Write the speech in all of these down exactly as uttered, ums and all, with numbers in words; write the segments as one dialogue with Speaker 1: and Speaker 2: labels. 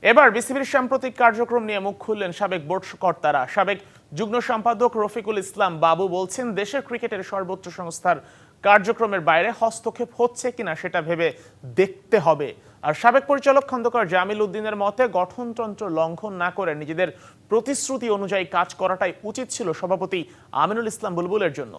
Speaker 1: এবার বিসিবির সাম্প্রতিক কার্যক্রম নিয়ে মুখ খুললেন সাবেক বোর্ড কর্তারা। সাবেক যুগ্ম সম্পাদক রফিকুল ইসলাম বাবু বলছেন, দেশের ক্রিকেটের সর্বোচ্চ সংস্থার কার্যক্রমের বাইরে হস্তক্ষেপ হচ্ছে কিনা সেটা ভেবে দেখতে হবে। আর সাবেক পরিচালক খন্দকার জামিল উদ্দিনের মতে, গঠনতন্ত্র লঙ্ঘন না করে নিজেদের প্রতিশ্রুতি অনুযায়ী কাজ করাটাই উচিত ছিল সভাপতি আমিনুল ইসলাম বুলবুলের জন্য।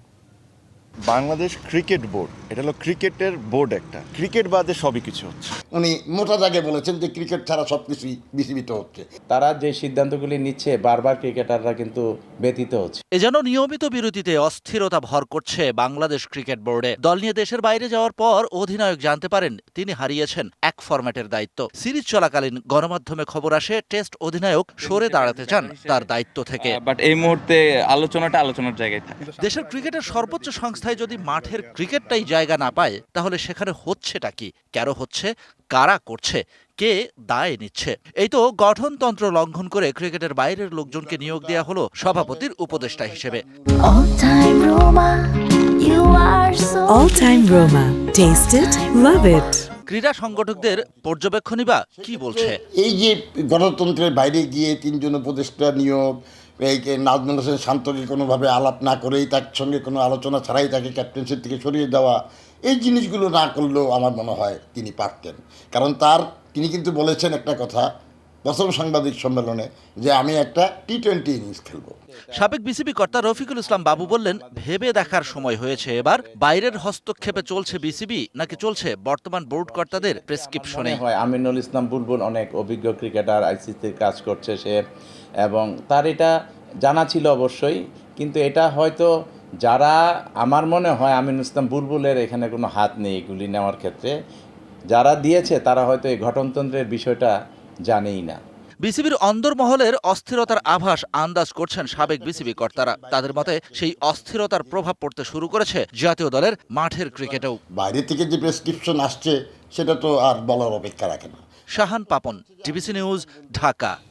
Speaker 2: বাংলাদেশ ক্রিকেট বোর্ড, এটা হলো ক্রিকেটের বোর্ড, একটা ক্রিকেট বাদে সবই কিছু হচ্ছে।
Speaker 3: উনি মোটা দাগে বলেছেন যে ক্রিকেট ছাড়া সব কিছুই বিসিবিতে হচ্ছে।
Speaker 4: তারা যে সিদ্ধান্তগুলি নিচ্ছে বারবার ক্রিকেটাররা কিন্তু ব্যতীত হচ্ছে।
Speaker 5: এ যেন নিয়মিত বিরতিতে অস্থিরতা ভর করছে বাংলাদেশ ক্রিকেট বোর্ডে। দল নিয়ে দেশের বাইরে যাওয়ার পর অধিনায়ক জানতে পারেন তিনি হারিয়েছেন এক ফরম্যাটের দায়িত্ব। সিরিজ চলাকালীন গণমাধ্যমে খবর আসে টেস্ট অধিনায়ক সরে দাঁড়াতে চান তার দায়িত্ব থেকে।
Speaker 6: বাট এই মুহূর্তে আলোচনাটা আলোচনার জায়গায় থাকে।
Speaker 5: দেশের ক্রিকেটের সর্বোচ্চ সংস্থায় যদি মাঠের ক্রিকেটটাই জায়গা না পায়, তাহলে সেখানে হচ্ছেটা কি, কেন হচ্ছে, কারা করছে, কে দায় নিচ্ছে? এই তো গঠনতন্ত্র লঙ্ঘন করে ক্রিকেটের বাইরের লোকজনকে নিয়োগ দেওয়া হলো সভাপতির উপদেষ্টা হিসেবে।
Speaker 7: All time Roma, you are so
Speaker 8: All time Roma. Taste it, love it.
Speaker 5: ক্রীড়া সংগঠকদের পর্যবেক্ষণই বা কি বলছে?
Speaker 3: এই যে গণতন্ত্রের বাইরে গিয়ে তিনজন উপদেষ্টা নিয়োগ, এই নাজমুল হোসেন শান্তকে কোনোভাবে আলাপ না করেই তার সঙ্গে কোনো আলোচনা ছাড়াই তাকে ক্যাপ্টেন্সির থেকে সরিয়ে দেওয়া, এই জিনিসগুলো না করলেও আমার মনে হয় তিনি পারতেন। কারণ তার তিনি কিন্তু বলেছেন একটা কথা প্রথম সাংবাদিক সম্মেলনে, যে আমি একটা টি টোয়েন্টি ইনিংস খেলবো।
Speaker 5: সাবেক বিসিবি কর্তা রফিকুল ইসলাম বাবু বললেন, ভেবে দেখার সময় হয়েছে এবার বাইরের হস্তক্ষেপে চলছে বিসিবি নাকি চলছে বর্তমান বোর্ড কর্তাদের প্রেসক্রিপশনে।
Speaker 4: হয় আমিনুল ইসলাম বুলবুল অনেক অভিজ্ঞ ক্রিকেটার, আইসিসির কাজ করছে সে, এবং তার এটা জানা ছিল অবশ্যই। কিন্তু এটা হয়তো যারা, আমার মনে হয় আমিনুল ইসলাম বুলবুলের এখানে কোনো হাত নেই এগুলি নেওয়ার ক্ষেত্রে, যারা দিয়েছে তারা হয়তো এই গঠনতন্ত্রের বিষয়টা জানেই না।
Speaker 5: বিসিবির অন্দরমহলের অস্থিরতার আভাস আন্দাজ করছেন সাবেক বিসিবি কর্তারা। তাদের মতে সেই অস্থিরতার প্রভাব পড়তে শুরু করেছে জাতীয় দলের মাঠের ক্রিকেটেও।
Speaker 3: বাইরে থেকে যে প্রেসক্রিপশন আসছে সেটা তো আর বলার অপেক্ষা রাখে না।
Speaker 5: Shahan Papon, DBC news, Dhaka.